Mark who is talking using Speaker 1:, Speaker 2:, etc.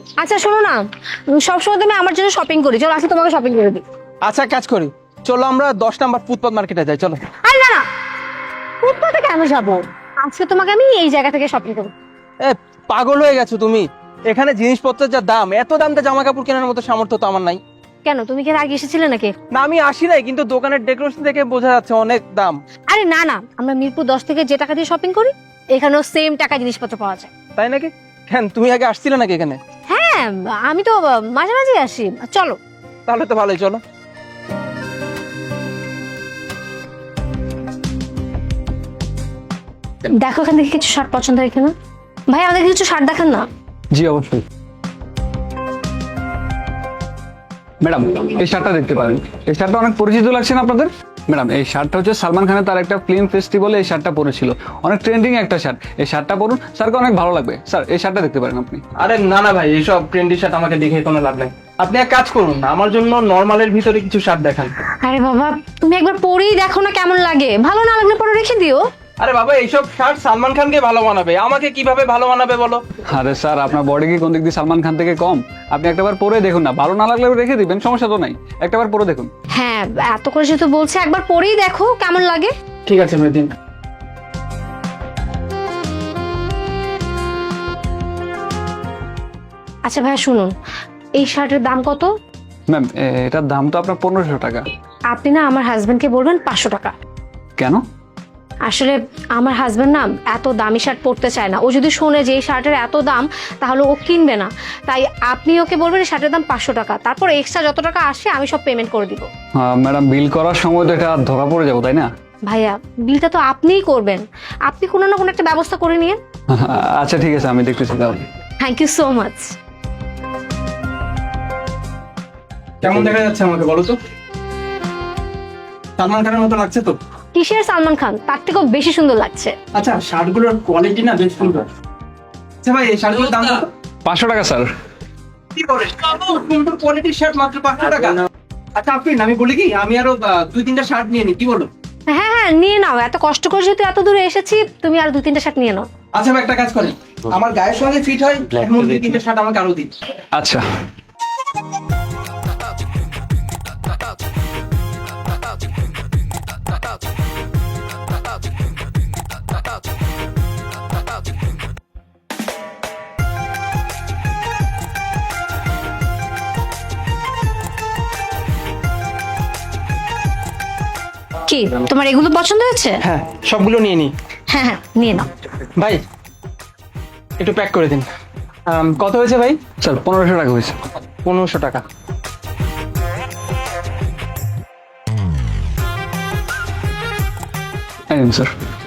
Speaker 1: আচ্ছা শোনো না, সবসময় তুমি আমার জন্য শপিং করি, চলো আজকে তোমাকে শপিং করে দিই।
Speaker 2: আচ্ছা কাজ করি, চলো আমরা 10 নাম্বার ফুটপাত মার্কেটে যাই, চলো।
Speaker 1: আরে না না, ফুটপাতে কেন যাবো? আজকে তোমাকে আমি এই জায়গা থেকে শপিং করবো।
Speaker 2: এ পাগল হয়ে গেছো তুমি, এখানে জিনিসপত্রের যা দাম, এত দাম দিয়ে জামা কাপড় কেনার মতো সামর্থ্য তো আমার নাই।
Speaker 1: কেন, তুমি কি এর আগে এসেছিলে নাকি?
Speaker 2: না আমি আসি নাই, কিন্তু দোকানের ডেকোরেশন দেখে বোঝা যাচ্ছে অনেক দাম।
Speaker 1: আরে না না, আমরা মিরপুর 10 থেকে যে টাকা দিয়ে শপিং করি এখানেও সেম টাকা জিনিসপত্র পাওয়া যায়।
Speaker 2: তাই নাকি? কেন তুমি আগে আসছিলে নাকি এখানে?
Speaker 1: হ্যাঁ, আমি তো মাঝে মাঝে আসি। চলো।
Speaker 2: তাহলে তো ভালোই, চলো।
Speaker 1: দেখো এখান থেকে কিছু শার্ট পছন্দ হয় কিনা। ভাই আমাদের কিছু শার্ট দেখান না।
Speaker 3: জি অবশ্যই। ম্যাডাম এই শার্টটা দেখতে পারেন, এই শার্টটা অনেক পরিচিত লাগছে না আপনাদের? ম্যাডাম এই শার্টটা হচ্ছে সালমান খানের তার একটা ফিল্ম ফেস্টিভ্যালে এই শার্টটা পরেছিল, অনেক ট্রেন্ডিং একটা শার্ট। এই শার্টটা পরুন, স্যারকে অনেক ভালো লাগবে। স্যার এই শার্টটা দেখতে পারেন আপনি।
Speaker 2: আরে না না ভাই, এইসব ট্রেন্ডি শার্ট আমাকে দেখে কোনো লাভ নাই। আপনি এক কাজ করুন, আমার জন্য নরমালের ভিতরে কিছু শার্ট দেখান।
Speaker 1: আরে বাবা, তুমি একবার পরেই দেখো না কেমন লাগে, ভালো না লাগলে পরে রেখে দিও।
Speaker 2: আরে বাবা, এইসব শার্ট সালমান খানকে ভালো মানাবে, আমাকে কিভাবে ভালো মানাবে বলো?
Speaker 3: আরে স্যার আপনার বডি কি কোন দিক দিয়ে সালমান খান থেকে কম? আপনি একটাবার পরে দেখুন না, ভালো না লাগলে রেখে দিবেন, সমস্যা তো নাই, একটাবার পরে দেখুন।
Speaker 1: হ্যাঁ, এত করে যেহেতু বলছে একবার পরেই দেখো কেমন লাগে।
Speaker 2: ঠিক আছে মেদিন।
Speaker 1: আচ্ছা ভাইয়া শুনুন, এই শার্টের দাম কত?
Speaker 3: ম্যাম এটার দাম তো আপনার 1500 টাকা।
Speaker 1: আপনি না আমার হাজবেন্ডকে বলবেন 500 টাকা।
Speaker 3: কেন?
Speaker 1: আসলে আমার হাজবেন্ড না এত দামি শার্ট পরতে চায় না, ও যদি শোনে যে এই শার্টের এত দাম তাহলে ও কিনবে না। তাই আপনি ওকে বলবেন এই শার্টের দাম 500 টাকা, তারপর এক্সট্রা যত টাকা আসে আমি সব পেমেন্ট করে দিব।
Speaker 3: ম্যাডাম বিল করার সময় তো এটা ধরা পড়ে যাবো তাই না?
Speaker 1: ভাইয়া বিলটা তো আপনিই করবেন, আপনি কোনো না কোনো একটা ব্যবস্থা করে নিন।
Speaker 3: আচ্ছা ঠিক আছে, আমি দেখতেছি তাহলে।
Speaker 1: Thank you so much.
Speaker 2: কেমন দেখা যাচ্ছে আমাকে বলো তো? সালমান খানের মতো লাগছে তো?
Speaker 1: কিসের সালমান খান, তার থেকেও বেশি সুন্দর লাগছে।
Speaker 2: আচ্ছা শার্টগুলোর কোয়ালিটি না বেশ সুন্দর। আচ্ছা ভাই, এই শার্টগুলোর দাম কত?
Speaker 3: 500 টাকা স্যার।
Speaker 2: কি করে সুন্দর কোয়ালিটির শার্ট মাত্র 500 টাকা? আচ্ছা আফরিন, আমি বলি কি, আমি আরো 2-3টা শার্ট নিয়ে নিই, কি বলো?
Speaker 1: হ্যাঁ হ্যাঁ নিয়ে নাও, এত কষ্ট করে যেহেতু এত দূরে এসেছি তুমি আর 2-3টা শার্ট নিয়ে নাও।
Speaker 2: আচ্ছা ভাই, একটা কাজ করেন, আমার গায়ের সঙ্গে ফিট হয় এমন 2-3টা শার্ট আমাকে আরো দিন।
Speaker 3: আচ্ছা
Speaker 1: কি তোমার এগুলো পছন্দ হয়েছে?
Speaker 2: হ্যাঁ সবগুলো নিয়ে নিই।
Speaker 1: হ্যাঁ হ্যাঁ নিয়ে নাও।
Speaker 2: ভাই একটু প্যাক করে দিন। কত হয়েছে ভাই?
Speaker 3: স্যার 1500 টাকা হয়েছে।
Speaker 2: 1500 টাকা।
Speaker 3: এই নিন স্যার।